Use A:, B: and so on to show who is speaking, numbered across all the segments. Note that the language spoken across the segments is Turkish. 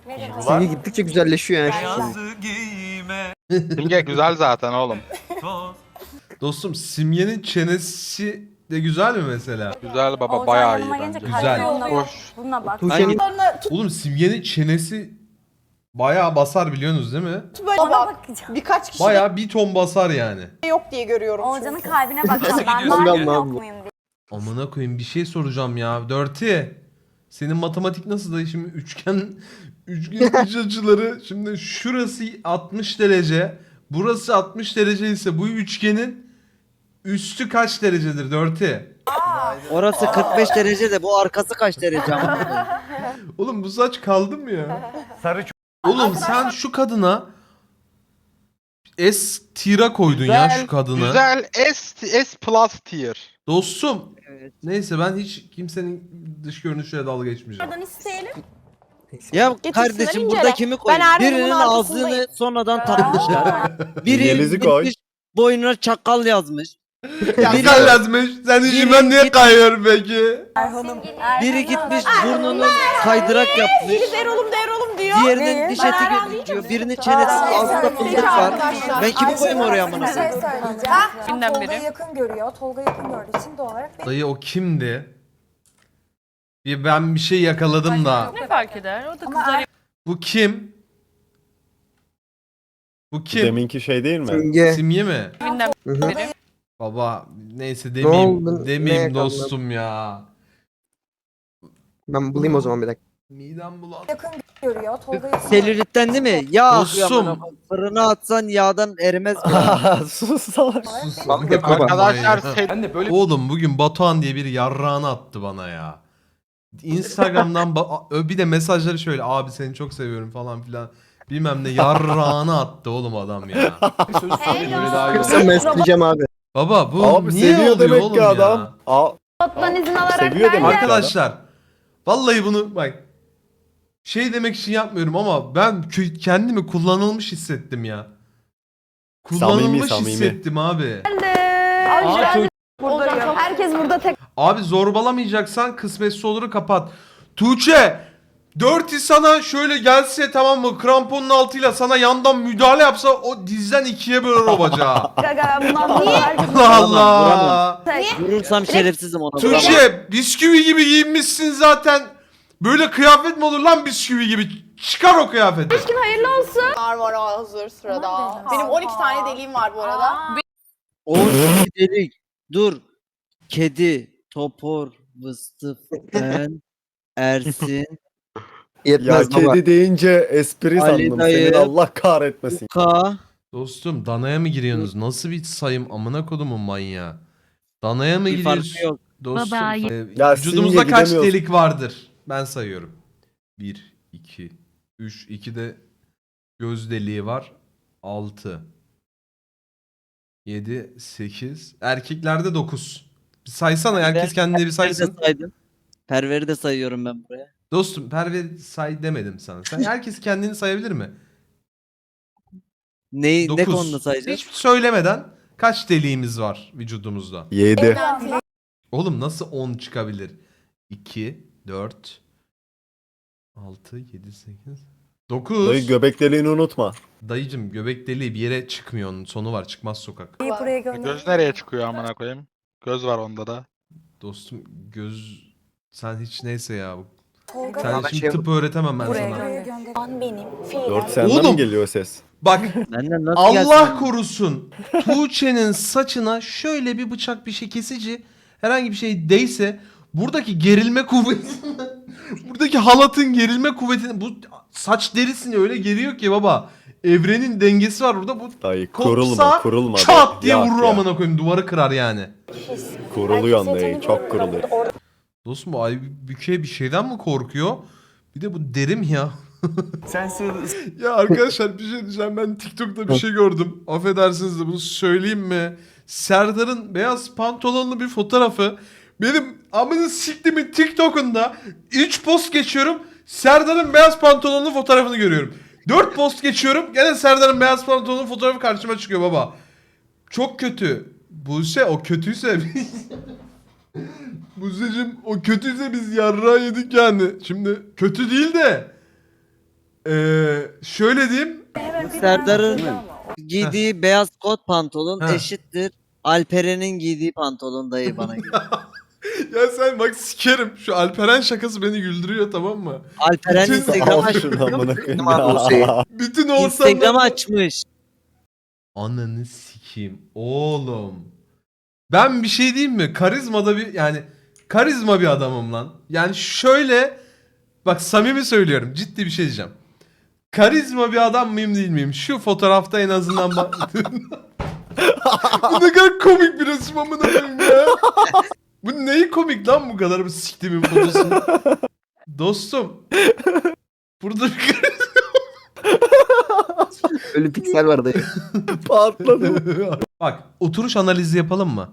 A: Simge gittikçe güzelleşiyor yani.
B: Simge güzel zaten oğlum.
C: Dostum Simge'nin çenesi de güzel mi mesela?
B: Güzel baba
D: Olcan
B: bayağı iyi
D: yanıma gelince
B: bence.
C: Güzel.
D: kalbim ona yok.
B: Hoş.
D: Buna bak.
A: Tuğçe'nin
C: Oğlum Simge'nin çenesi bayağı basar biliyorsunuz değil mi?
E: Böyle
D: Ona
E: bak.
D: bakacağım.
E: Birkaç kişi
C: Bayağı bir ton basar yani.
E: de yok diye görüyorum.
D: Olcan'ın
E: çünkü.
D: kalbine bakacağım. Ben
A: gidiyorsun?
D: var mıyım
A: Ben
D: yok
A: bu-
D: muyum diye.
C: Amına koyayım bir şey soracağım ya. Dirty. Senin matematik nasıl da şimdi üçgen iç açıları şimdi şurası 60 derece. Burası 60 derece ise bu üçgenin üstü kaç derecedir Dirty?
F: Orası 45 derece de bu arkası kaç derece ama?
C: Oğlum bu saç kaldı mı ya? Oğlum sen şu kadına S tira koydun ya şu kadına.
B: Güzel S plus tier.
C: Dostum.
F: Evet.
C: Neyse ben hiç kimsenin dış görünüşüyle dalga geçmeyeceğim.
E: Nereden isteyelim?
F: Ya
E: Getirsinler,
F: kardeşim
E: incele.
F: burada kimi koyayım?
E: Ben Erdoğan'ın
F: Birinin
E: arkasındayım.
F: ağzını sonradan takmışlar. Biri
G: Yeliz'i koy.
F: gitmiş boynuna çakal yazmış.
C: Ya
F: Biri-
C: sen yazmış. Sen işi ben niye
F: git-
C: kayıyorum peki?
F: Biri gitmiş burnunu kaydırak yapmış.
E: Biri Erol'um diyor.
F: Diğerinin diş eti gözüküyor. Birinin çenesinin altında fındık var. Ben kimi koyayım oraya amına
H: Bir şey
F: koyayım?
H: söyleyeceğim. Tolga'yı yakın görüyor. Tolga yakın gördüğü için doğal olarak
C: Dayı o kimdi? Ben bir şey yakaladım da.
I: Ne fark eder? O da kızlar
C: Bu kim? Bu kim?
G: Deminki şey değil mi?
A: Simge.
C: Simge mi?
I: evinden
A: Hı hı.
I: biri.
C: Baba neyse
A: oldu?
C: demeyeyim.
A: Ne
C: Demeyeyim
A: yakaladın?
C: dostum ya.
A: Ben bulayım o zaman bir dakika.
C: Midem bulan.
H: yakın görüyor. Tolga yakın
F: Selülitten değil mi? Yağ
C: Dostum.
F: akıyor amına koyayım. Fırına atsan yağdan erimez mi?
G: Sus salak.
B: Arkadaşlar
C: Oğlum bugün Batuhan diye bir yarrağını attı bana ya. Instagram'dan bir de mesajları şöyle abi seni çok seviyorum falan filan. Bilmem ne yarrağını attı oğlum adam ya.
A: Kırsam ben isteyeceğim abi.
C: Baba bu
G: Abi
C: niye
G: seviyor
C: oluyor
G: demek
C: oğlum
G: ki
C: ya?
G: adam.
D: Ottan izin alarak
G: Seviyor demek ki adam.
C: Arkadaşlar vallahi bunu bak şey demek için yapmıyorum ama ben kendimi kullanılmış hissettim ya. Kullanılmış
G: Samimi.
C: hissettim abi.
D: Herkes burada tek.
C: Abi zorbalamayacaksan kısmetse oluru kapat. Tuğçe Dirty sana şöyle gelse tamam mı kramponun altıyla sana yandan müdahale yapsa o dizden ikiye bölür o bacağı.
D: Gaga bundan niye?
C: Allah Allah.
F: Vurursam şerefsizim ona. vuramam.
C: Tuğçe bisküvi gibi giyinmişsin zaten. Böyle kıyafet mi olur lan bisküvi gibi? Çıkar o kıyafeti.
D: Hayırlı olsun.
E: Var hazır sırada.
H: Aman
E: Benim
H: Allah'ım.
E: 12 tane deliğim var bu arada.
F: Oğuz delik. Dur. Kedi, topor, vıstıf, ben, Ersin,
G: Ya
A: Yetmez baba.
G: kedi deyince espri
F: Ali
G: sandım.
F: dayı.
G: Senin Allah kahretmesin.
F: Ka.
C: Dostum danaya mı giriyorsunuz? Nasıl bir sayım amına kodumun manyağı? Danaya mı
F: Bir farkı
C: giriyorsun?
F: yok.
C: Dostum
G: Ya
C: vücudumuzda
G: Simge
C: kaç
G: gidemiyorsun.
C: delik vardır? Ben sayıyorum. 1, 2, 3, 2 de göz deliği var. 6, 7, 8. Erkeklerde 9. Bir saysana herkes kendine bir
F: Perver'i de
C: saysın.
F: saydım. Perver'i de sayıyorum ben buraya.
C: Dostum perver say demedim sana. Sen herkes kendini sayabilir mi?
F: Ne
C: 9.
F: konuda sayacağız?
C: Hiç söylemeden kaç deliğimiz var vücudumuzda?
G: 7.
C: Oğlum nasıl 10 çıkabilir? 2, 4, 6, 7, 8, 9.
G: Dayı göbek deliğini unutma.
C: Dayıcım göbek deliği bir yere çıkmıyor onun sonu var çıkmaz sokak.
H: buraya gönder.
B: göz nereye çıkıyor amına koyayım? Göz var onda da.
C: Dostum sen hiç neyse ya.
H: Tolga
C: Sen
A: Ama
C: şimdi
A: şey-
C: tıp öğretemem ben
H: buraya
C: sana.
H: gönder. An benim.
G: Dört senden
C: Oğlum.
G: mi geliyor ses?
C: Bak
F: Benden nasıl
C: Allah
F: gelsin?
C: korusun Tuğçe'nin saçına şöyle bir bıçak bir şey kesici herhangi bir şey değse buradaki gerilme kuvveti buradaki halatın gerilme kuvvetini bu saç derisini öyle geriyor ki baba evrenin dengesi var burada bu
G: Dayı
C: kopsa
G: kurulma.
C: çat diye
G: Yak
C: vurur
G: ya.
C: amına koyayım duvarı kırar yani.
G: Kuruluyorsun dayı, çok kuruluyor.
C: Dostum bu Aybüke bir şeyden mi korkuyor? Bir de bu derim ya. Ya arkadaşlar bir şey diyeceğim. Ben TikTok'ta bir şey gördüm. Affedersiniz de bunu söyleyeyim mi? Serdar'ın beyaz pantolonlu bir fotoğrafı. Benim amını siktimin TikTok'unda 3 post geçiyorum. Serdar'ın beyaz pantolonlu fotoğrafını görüyorum. 4 post geçiyorum. Gene Serdar'ın beyaz pantolonlu fotoğrafı karşıma çıkıyor baba. Çok kötü. Buse o kötüyse Buse'cim o kötüyse biz yarrağı yedik yani. Şimdi kötü değil de Şöyle diyeyim.
F: Serdar'ın giydiği beyaz kot pantolon
C: Heh.
F: eşittir Alperen'in giydiği pantolon dayı bana göre.
C: Ya sen bak sikerim. Şu Alperen şakası beni güldürüyor, tamam mı?
F: Alperen
C: Bütün-
F: Instagram
G: Al şunu
F: açmış.
G: amına koyayım
A: Tamam abi, o şey.
G: ya.
C: Bütün
F: Instagram
C: ortamda...
F: açmış.
C: Ananı sikeyim oğlum. Ben bir şey diyeyim mi? Karizmada bir yani karizma bir adamım lan. Yani şöyle bak samimi söylüyorum, ciddi bir şey diyeceğim. Karizma bir adam mıyım değil miyim? Şu fotoğrafta en azından bak. Bu ne kadar komik bir resim amına koyayım ya. Bu neyi komik lan bu kadar bu siktimin fotosu? Dostum. Burada bir
A: Öyle piksel var dayı.
G: Patladı.
C: Bak oturuş analizi yapalım mı?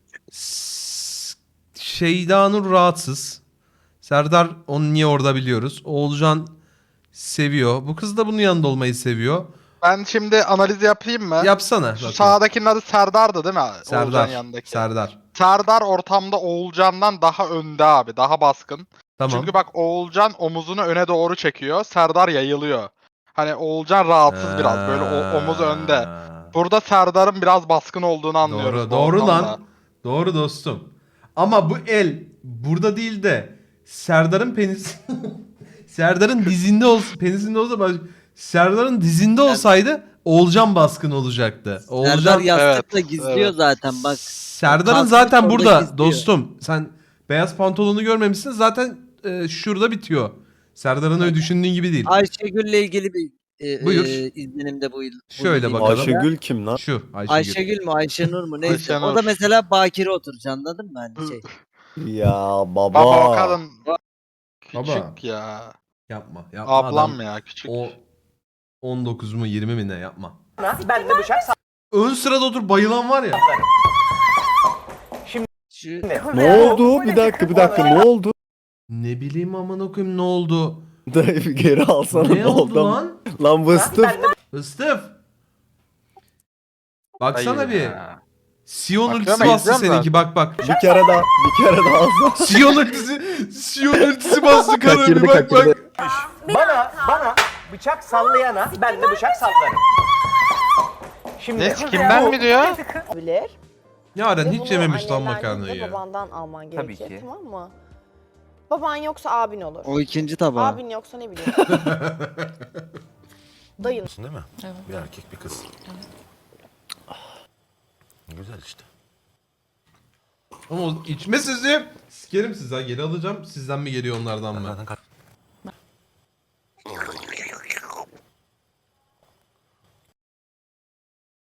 C: Şeyda Nur rahatsız. Serdar onu niye orada biliyoruz. Oğulcan seviyor. Bu kız da bunun yanında olmayı seviyor.
B: Ben şimdi analiz yapayım mı?
C: Yapsana.
B: Şu
C: bakayım.
B: sağdakinin adı Serdar'dı değil mi? Oğulcan
C: Serdar.
B: yanındaki.
C: Serdar.
B: Serdar ortamda Oğulcan'dan daha önde abi. Daha baskın.
C: Tamam.
B: Çünkü bak Oğulcan omuzunu öne doğru çekiyor. Serdar yayılıyor. Hani Oğulcan rahatsız biraz. Böyle omuz önde. Burada Serdar'ın biraz baskın olduğunu anlıyoruz.
C: Doğru,
B: bu
C: doğru
B: ortamda.
C: lan. Doğru dostum. Ama bu el burada değil de Serdar'ın penis Serdar'ın dizinde penisinde olsa Serdar'ın dizinde olsaydı Oğulcan baskın olacaktı.
F: Serdar
C: Oğulcan
F: yastıkla
B: evet,
F: gizliyor
B: evet.
F: zaten bak.
C: Serdar'ın
F: Kasmış
C: zaten
F: orada
C: burada
F: gizliyor.
C: dostum. Sen beyaz pantolonu görmemişsin zaten şurada bitiyor. Serdar'ın öyle düşündüğün gibi değil.
F: Ayşegül'le ilgili bir
C: Buyur.
F: izlenimde bu yıl.
C: Şöyle
F: bu
C: bakalım.
G: Ayşegül kim lan?
C: Şu Ayşegül.
F: Ayşegül mü Ayşenur mu neyse.
B: Ayşenur.
F: O da mesela bakire oturacak anladın mı? Hani şey.
G: Ya baba.
B: Baba o kadın küçük
C: Baba.
B: ya.
C: Yapma. Yapma
B: Ablam
C: adam.
B: ya küçük.
C: O 19 mu 20 mi ne yapma.
I: Ben de bıçak
C: Ön sırada otur bayılan var ya.
F: Şu
G: Ne oldu? Bir dakika ne oldu?
C: Ne bileyim amına koyayım ne oldu?
G: Dayı bir geri alsana
C: Ne oldu lan?
G: Lan vıstıf.
C: Istıf. Baksana
B: Hayır
C: bir.
B: ya.
C: Sion
B: Bakıyorum,
C: ultisi bastı
B: izliyorum
C: seninki bak bak.
G: Bir kere daha alsana.
C: Sion ultisi bastı kanka bir
A: Kaçırdı,
C: bak bak.
A: kaçırdı.
I: bana bıçak sallayana ben de bıçak sallarım. Şimdi
B: Ne kimden mi diyor?
E: Bilir.
C: Yaren
E: Ve
C: hiç
E: bunu
C: yememiş lan
E: annenlerden
C: makarnayı
E: değil de
C: ya.
E: Babandan alman
I: Tabii
E: gerekir
I: ki.
E: tamam mı? Baban yoksa abin olur.
F: o ikinci tabağı.
E: Abin yoksa ne bileyim. Dayın.
J: Değil mi? Evet. Bir erkek bir kız. Güzel işte.
C: Ama o içme sizi. Sikerim sizi ha geri alacağım. Sizden mi geliyor onlardan mı?
J: Zaten